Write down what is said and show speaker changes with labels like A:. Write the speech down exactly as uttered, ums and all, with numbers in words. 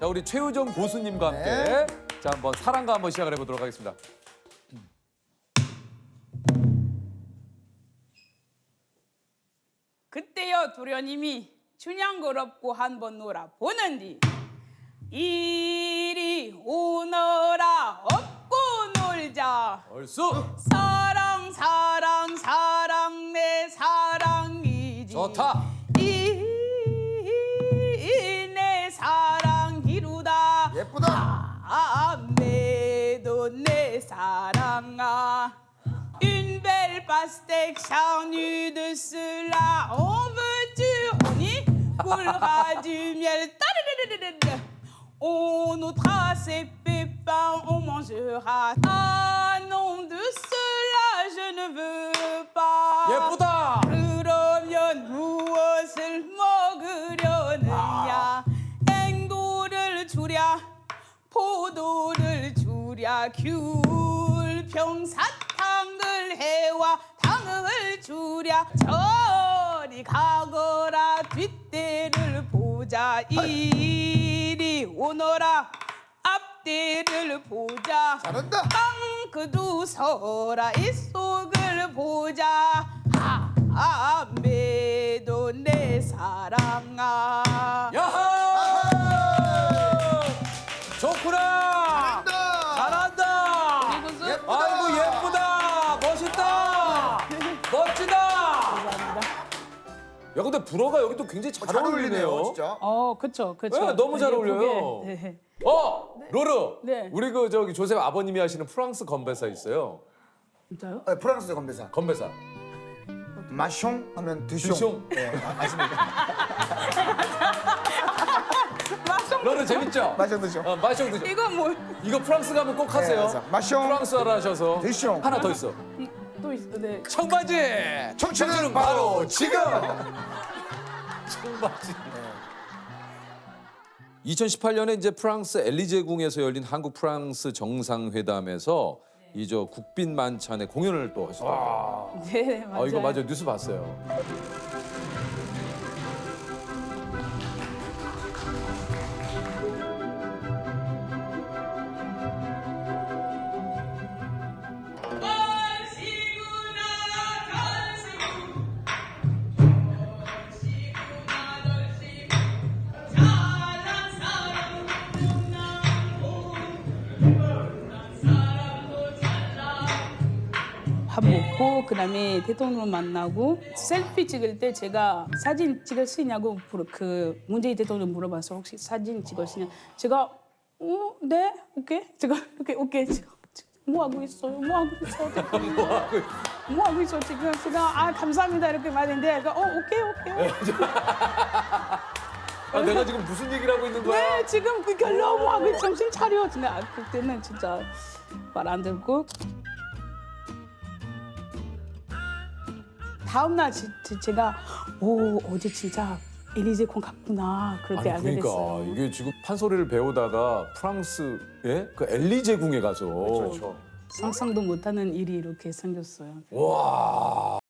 A: 자, 우리 최우정 고수님과 함께
B: 네.
A: 자, 한번 사랑과 한번 시작을 해보도록 하겠습니다.
C: 그때여 도련님이 춘향걸 업고 한번 놀아 보는디 이리 오너라 업고 놀자
A: 얼쑤!
C: 사랑 사랑 사랑 내 사랑이지
A: 좋다!
C: 이 내 사랑이루다
B: 예쁘다.
C: 아 매도 내 사랑아 Une belle pastèque charnue de cela en veux-tu honey coulera du miel Tadadadadadada. On ôtera ses pépins on mangera ah non de cela je ne veux pas
A: 예쁘다!
C: 그러면 무엇을 먹으려느냐 앵도를 주랴 포도를 주랴 귤 평사탕을 해와 당을 주랴 저리 가거라 뒷대를 보자 이리 오너라 앞대를 보자
B: 잘한다.
C: 빵그도 서라 이 속을 보자 아 매도 내 사랑아
A: 야하! 좋구나! 잘한다!
B: 예쁘다.
A: 아이고 예쁘다! 멋있다! 멋지다! 야 근데 불어가 여기 또 굉장히 잘,
B: 잘
A: 어울리네요.
B: 어울리네요, 진짜.
C: 어, 그쵸, 그쵸.
A: 네, 너무 잘
C: 예쁘게.
A: 어울려요.
C: 네.
A: 어, 로르.
C: 네.
A: 우리 그 저기 조셉 아버님이 하시는 프랑스 건배사 있어요.
C: 진짜요?
B: 네, 프랑스 건배사.
A: 건배사.
B: 마숑 하면 드숑.
A: 드숑.
B: 네, 아, 아십니까?
A: 로르 재밌죠?
B: 마숑 드숑.
A: 어, 마숑 드숑.
C: 이거 뭐,
A: 이거 프랑스 가면 꼭 하세요.
B: 맞아. 마숑.
A: 프랑스어를 하셔서.
B: 드숑.
A: 하나 더 있어.
C: 이, 또 있어, 네.
A: 청바지.
B: 청춘은 바로 지금.
A: 청바지. 이천십팔 년에 이제 프랑스 엘리제 궁에서 열린 한국 프랑스 정상회담에서 이 저 국빈 만찬의 공연을 또 하시더라고요.
C: 네, 맞아요.
A: 아 이거 맞아요. 뉴스 봤어요.
C: 밥 먹고 그다음에 대통령 만나고 셀피 찍을 때 제가 사진 찍을 수 있냐고 물어- 그 문재인 대통령 물어봐서 혹시 사진 찍을 수 있냐 제가 어, 네 오케이 제가 오케이 오케이 지금 뭐 하고 있어요 뭐 하고 있어 뭐 하고 있어 지금 제가 아 감사합니다 이렇게 말했는데 제가 어 오케이 오케이
A: 아, 내가 지금 무슨 얘기를 하고 있는 거야?
C: 네 지금 그 결론 뭐 하고 정신 차려 근데 아, 그때는 진짜 말 안 듣고 다음 날 지, 지- 제가 오 어제 진짜 엘리제 콩 갔구나 그렇게
A: 아니
C: 알게
A: 그러니까
C: 됐어요.
A: 이게 지금 판소리를 배우다가 프랑스의 그 엘리제 궁에 가서
B: 그렇죠.
C: 상상도 못하는 일이 이렇게 생겼어요.
A: 와